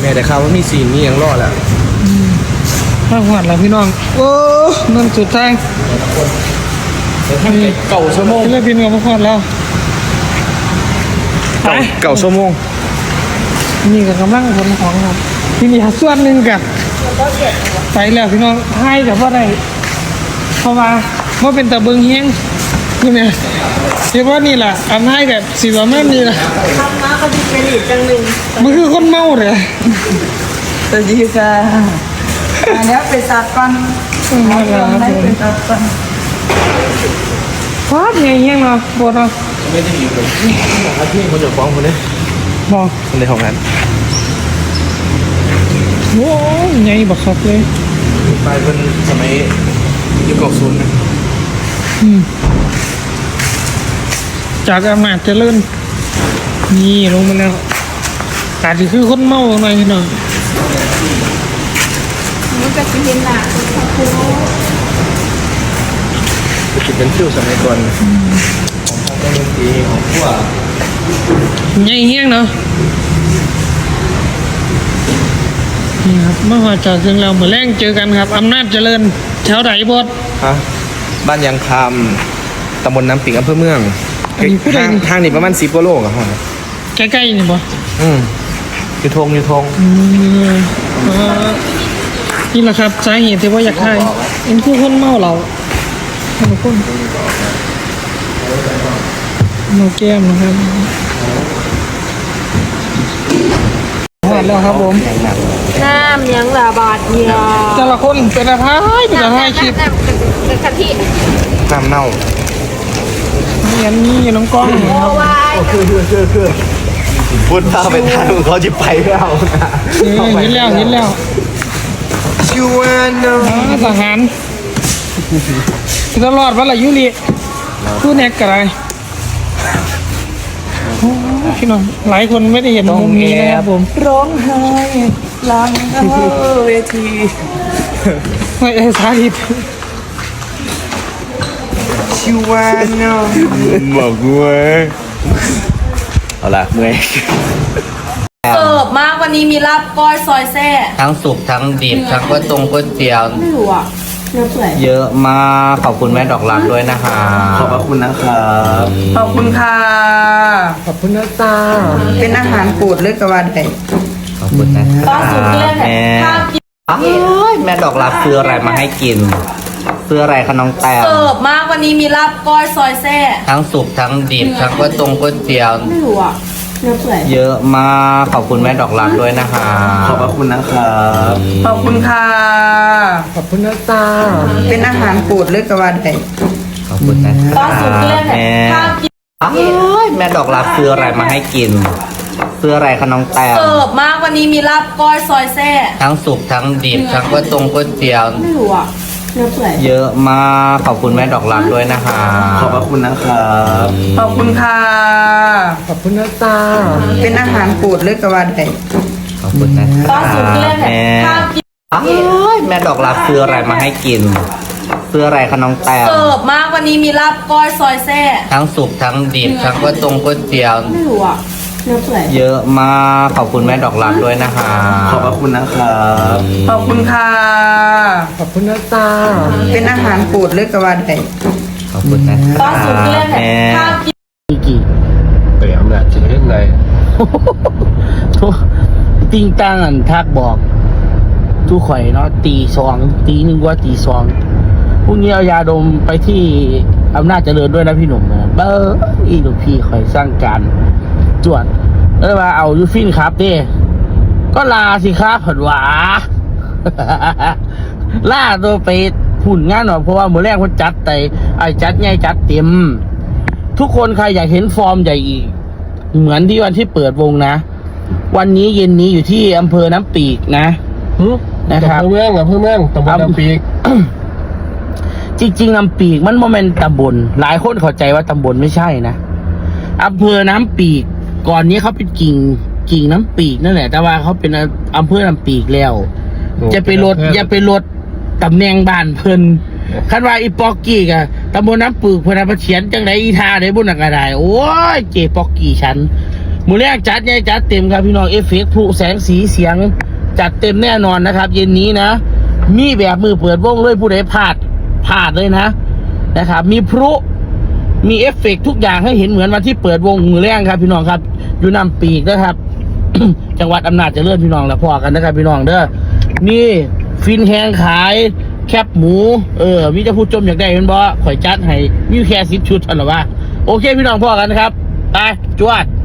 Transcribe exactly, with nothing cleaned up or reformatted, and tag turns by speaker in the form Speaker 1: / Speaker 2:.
Speaker 1: ม่แต่ข่าวว่ามีซีนนี่ยังรอดแล้ว
Speaker 2: ข้าวหวานแล้วพี่น้องโอ้นั่นสุดทาง
Speaker 1: เก่าชั่วโมง
Speaker 2: เล่นพินกับพ่อแล้ว
Speaker 1: เก่าชั่วโมง
Speaker 2: นี่กับกำลังผลของครับที่นี่ส่วนหนึ่งกับไปแล้วพี่น้องให้แต่ว่าได้เพราะว่าว่าเป็นตะเบิงเฮียงนี่เนี่ยเรียกว่านี่แหละอันให้กับสีว่าแม่นี่แหละ
Speaker 3: ทำมาก็ดีเป็นอีกจังหนึ่ง
Speaker 2: มันคือคนเมาเลย
Speaker 3: สวัสดีค่ะอันนี้เป็นสัตว์ฟันมาแล้วเป็นสัตว์ฟัน
Speaker 2: ฟาดไงเฮียงเนาะปวดเนาะ
Speaker 1: ไม่ได้อยู่ผมอาที่คนจะฟ้องคนนี้
Speaker 2: มอง
Speaker 1: คนในห้องนั้น
Speaker 2: โอ้ยไงบักคับเลย
Speaker 1: ไปเป็นสมัยยุคเก่าศูนย์นะ
Speaker 2: จากอำนาจเจริญนี่ลงมาแล้วแต่ที่คือคนเมาหน่อยหน่อย
Speaker 3: มันก็จะเห็นหน้าคุณครู
Speaker 1: จะเป็นฟิวสมัยก่อนของทางการดนตรีของพวก
Speaker 2: ไงเฮี้ยงเนาะนี่ครับเมื่อวานจากถึงเราเหมือนแรงเจอกันครับอำนาจเจริญแถวไหนบด
Speaker 1: ฮะบ้านยางคำตำบลน้ำปิงอำเภอเมืองทางทางนี่ประมาณสิบกิโลกับห้อง
Speaker 2: ใกล้ๆนี่บ่
Speaker 1: อืมยูทงยูทง
Speaker 2: นี่แหละครับสาเหตุที่ว่าอยากให้เอ็นคือคนเมาเราทุกคนเมาแก้มนะครับหวานแล้วครับผม
Speaker 3: น้ำยังละบาทเดียว
Speaker 2: แต่ละคนเป็นอะไรเป็นอะไรคลิป
Speaker 3: กะทิ
Speaker 1: น้ำเน่า
Speaker 2: นี่อันนี้น้องกล้องครับ
Speaker 1: คือคือคือคือพูดถ้าไปทางเขาจะไปแล้วนะ
Speaker 2: เห็นแล้วเห็นแล้ว
Speaker 1: ชิวานเนาะ
Speaker 2: ทหารตลอดวันละยุริผู้แนกกระไรพี่น้องหลายคนไม่ได้เห็นมุมนี้นะครับผม
Speaker 3: ร้องไห้หลังเวที
Speaker 2: ไม่ได้สาธิต
Speaker 1: ชิวานเนาะบอกเว้ยเอาล่ะเมื่อย
Speaker 3: เสิร์ฟมากวันนี้มีลาบก้อยซอยแซ่
Speaker 4: ทั้งสุกทั้งดิบทั้งก๋วยตงก๋วยเตี๋ยว
Speaker 3: ไม่รู้อ่ะ
Speaker 4: เยอะมากขอบคุณแม่ดอกรักด้วยนะคะ
Speaker 1: ขอบคุณนะครับ
Speaker 3: ขอบคุณค่ะ
Speaker 2: ขอบคุณนะตา
Speaker 3: เป็นอาหารโปรดเลยกว่าใด
Speaker 4: ขอบคุณนะ
Speaker 3: ตอนสุดเรื่องแม่
Speaker 4: แม่ดอกรักซื้ออะไรมาให้กินซื้ออะไรคะน้องแต้ว
Speaker 3: เสิร์ฟมากวันนี้มีลาบก้อยซอยแซ่
Speaker 4: ทั้งสุกทั้งดิบทั้งก๋วยตงก๋วยเตี๋ยว
Speaker 3: ไม่รู้อ่ะ
Speaker 4: เยอะมากขอบคุณแม่ดอกรักด้วยนะคะ
Speaker 1: ขอบคุณนะครับ
Speaker 3: ขอบคุณค่ะ
Speaker 2: ขอบคุณนะตา
Speaker 3: เป็นอาหารโปรดเลยกว่าใด
Speaker 4: ขอบคุณนะ
Speaker 3: ตอนสุดเรื่องแม่
Speaker 4: แม่ดอกรักซื้ออะไรมาให้กินซื้ออะไรคะน้องแต้ว
Speaker 3: เสิร์ฟมากวันนี้มีลาบก้อยซอยแซ่
Speaker 4: ทั้งสุกทั้งดิบทั้งก๋วยตงก๋วยเตี๋ยว
Speaker 3: ไม่รู้อ่ะ
Speaker 4: เยอะมากขอบคุณแม่ดอกรักด้วยนะคะ
Speaker 1: ขอบคุณนะครับ
Speaker 3: ขอบคุณค่ะ
Speaker 2: ขอบคุณนะตา
Speaker 3: เป็นอาหารโปรดเลยกว่าใด
Speaker 4: ขอบคุณนะ
Speaker 3: ตอนสุดเรื่องแม่
Speaker 4: แม่ดอกรักซื้ออะไรมาให้กินซื้ออะไรคะน้องแต้ว
Speaker 3: เสิร์ฟมากวันนี้มีลาบก้อยซอยแซ่
Speaker 4: ทั้งสุกทั้งดิบทั้งก๋วยตงก๋วยเตี๋ยว
Speaker 3: ไม่รู้อ่ะ
Speaker 4: เยอะมากขอบคุณแม่ดอกรักด้วยนะคะ
Speaker 1: ขอบคุณนะครับ
Speaker 3: ขอบคุณค่ะ
Speaker 2: ขอบคุณนะตา
Speaker 3: เป็นอาหารโปรดเลยกว่าใด
Speaker 4: ขอบคุณนะ
Speaker 3: ตอนสุดเรื่องแม่
Speaker 2: กี่
Speaker 1: ไปอำนาจจะเล่นไร
Speaker 2: ทุกติงตังอันทักบอกทุกข่อยเนาะตีสองตีหนึ่งว่าตีสองพรุ่งนี้เอายาดมไปที่อำนาจเจริญด้วยนะพี่หนุ่มนะเบอร์อีลูกพี่ข่อยสร้างการจวดเออมาเอายูฟินครับดิก็ลาสิครับผลหวาล่าตัวไปหุ่นงานหน่อยเพราะว่าเมื่อแรกมันจัดแต่ไอ้จัดไงจัดเต็มทุกคนใครอยากเห็นฟอร์มใหญ่อีกเหมือนที่วันที่เปิดวงนะวันนี้เย็นนี้อยู่ที่อำเภอน้ำปีกนะนะครับ
Speaker 1: อำเภอเมืองอำเภอเมืองตำบลน้ำปีก
Speaker 2: จริงๆน้ำปีกมันโมเมนต์ตำบลหลายคนเข้าใจว่าตำบลไม่ใช่นะอำเภอน้ำปีกก่อนนี้เขาเป็นกิ่งกิ่งน้ำปีกนั่นแหละแต่ว่าเขาเป็นอำเภอน้ำปีกแล้วจะไปลดอย่าไปลดตำแหน่งบ้านเพิ่นคันว่าอีปอกกี้กะตำบลน้ำปีกเพิ่นเอาไปเขียนจังไดอีทาได้บุญกระไดโอ้ยเจปอกกี้ฉันมือแรกจัดไงจัดเต็มครับพี่น้องเอฟเฟกต์ผู้แสงสีเสียงจัดเต็มแน่นอนนะครับ เย็นนี้นะ มีแบบมือเปิดวงเลยผู้ใดพลาดพลาดเลยนะนะครับ มีพลุมีเอฟเฟกต์ทุกอย่างให้เห็นเหมือนวันที่เปิดวงมือแรกครับพี่น้องครับอยู่นำปีกนะครับ จังหวัดอำนาจเจริญพี่น้องแล้วพอกันนะครับพี่น้องเด้อนี่ฟินแห้งขายแคบหมูเออมีจะพูดจมอยากได้เป็นบ่ข่อยจัดให้มีแค่สิบชุดเท่านั้นวะโอเคพี่น้องพอกันนะครับไปจวด